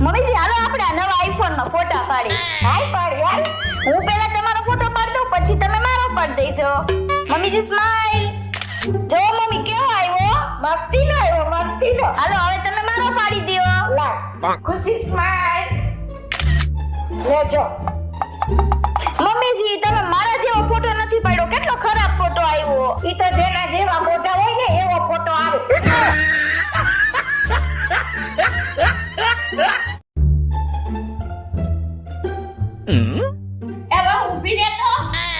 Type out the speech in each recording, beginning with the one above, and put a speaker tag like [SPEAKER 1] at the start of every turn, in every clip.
[SPEAKER 1] મમ્મીજી હાલો આપણે આ નવા આઈફોન માં ફોટા પાડી.
[SPEAKER 2] હાલ પાડ યાર.
[SPEAKER 1] હું પહેલા તમારો ફોટો પાડી દઉં પછી તમે મારો પાડી દેજો. મમ્મીજી સ્માઈલ. જો મમ્મી કેવો આવ્યો?
[SPEAKER 2] મસ્તીનો આવ્યો મસ્તીનો.
[SPEAKER 1] હાલો હવે તમે મારો પાડી દ્યો.
[SPEAKER 2] લા ખુશી સ્માઈલ. લેજો.
[SPEAKER 1] મમ્મીજી તમે મારા જેવો ફોટો નથી પાડ્યો, કેટલો ખરાબ ફોટો આવ્યો.
[SPEAKER 2] ઈ તો જેના જેવા ફોટા હોય ને એવો ફોટો આવે.
[SPEAKER 3] હવે ઊભી રહે તો.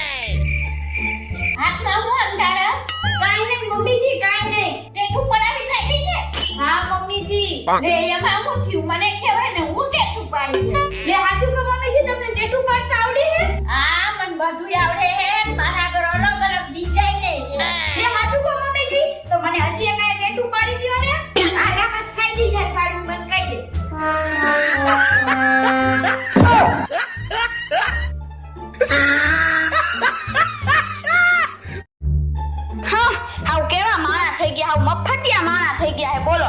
[SPEAKER 3] હાથમાં હું અંધારસ? કાઈ નહીં મમ્મીજી કાઈ નહીં. ટેટુ પડાવી નાખી ને. હા મમ્મીજી. લે એમાં હું થયું મને કહેવાય ને હું ટેટુ પાડી દે. લે હાચું કે મમ્મીજી તમને ટેટુ કરતા આવડે હે? હા મને બધું આવડે હે. મારા ઘર અલગ અલગ ડિઝાઇન હે. લે હાચું કે મમ્મીજી તો મને હજી એક ટેટુ પાડી દ્યો ને. આ હાથ ખાઈ દીધા પાડું મને કહી દે.
[SPEAKER 1] હા હાવ કેવા માણા થઈ ગયા, હાવ મફતિયા માણા થઈ ગયા હે. બોલો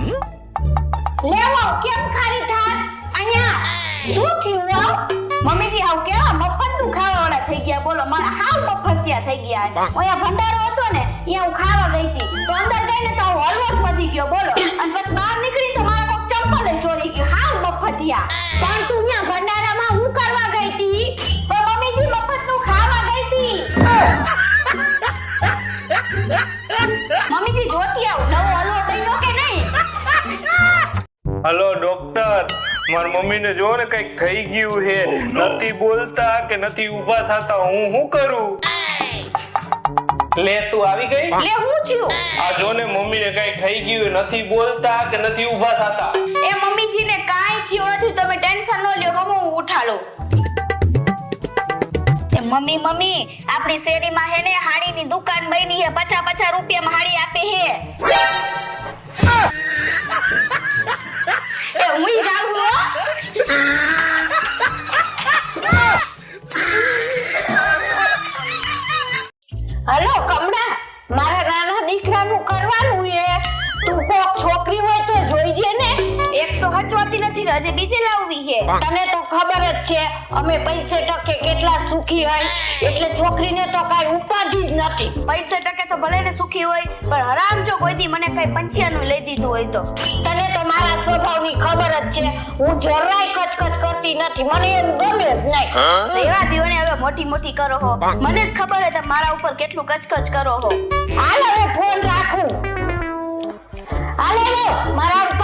[SPEAKER 2] લેવો કેમ ખારી થાસ અહીંયા શું થયું હો?
[SPEAKER 1] મમ્મીજી હાવ કેવા મફતનું ખાવાવાળા થઈ ગયા. બોલો મારા હાવ મફતિયા થઈ ગયા હે. ઓયા ભંડારો હતો ને અહીંયા હું ખાવા ગઈ હતી તો અંદર ગઈને તો હું હલવો જ વધી ગયો. બોલો અને બસ બહાર નીકળી તો મારા કોક ચંપલ જ ચોરી ગયું. હાવ મફતિયા.
[SPEAKER 2] પણ તું અહીંયા ભંડારામાં હું કરવા ગઈ હતી?
[SPEAKER 1] પણ મમ્મીજી મફતનું ખાવા ગઈ હતી. મમ્મીજી જોતી આવ નવો હલવો બન્યો કે નહીં.
[SPEAKER 4] હલો ડોક્ટર, મારી મમ્મીને જો ને કઈક થઈ ગયું છે, નથી બોલતા કે નથી ઊભા થતા, હું શું કરું? લે તું આવી ગઈ?
[SPEAKER 1] લે હું થયું?
[SPEAKER 4] આ જો ને મમ્મીને કઈક થઈ ગયું, નથી બોલતા કે નથી ઊભા થતા.
[SPEAKER 1] એ મમ્મીજીને કાઈ થયું નથી, તમે ટેન્શન ન લ્યો. મમ્મી હું ઉઠાડું. એ મમ્મી આપણી શેરીમાં હે ને હાડીની દુકાન બની હે, 50 રૂપિયામાં હાડી આપે હે. એ હું જાઉં હો.
[SPEAKER 2] હલો કમળા, મારા નાના દીકરાનું કરવાનું છે. તું કોક છોકરી હોય તો જોઈજે ને.
[SPEAKER 1] એક તો હચવાતી નથી ને હજી બીજી લાવવી હે.
[SPEAKER 2] તને તો ખબર જ છે અમે પૈસે ટકે કેટલા સુખી હોય, એટલે છોકરીને તો કાઈ ઉપાધિ જ નથી.
[SPEAKER 1] પૈસે ટકે તો ભલે ને સુખી હોય પણ હરામ જો કોઈથી મને કઈ પંચિયાનું લઈ દીધું હોય તો.
[SPEAKER 2] તને તો મારા સ્વભાવની ખબર જ છે, હું જરાય કચકચ કરતી નથી, મને એમ ગમે જ નહીં.
[SPEAKER 1] એવા દીવોને હવે મોટી કરો હો. મને જ ખબર હે તમે મારા ઉપર કેટલું કચકચ કરો હો.
[SPEAKER 2] હાલ હવે ફોન રાખું. હાલે મારા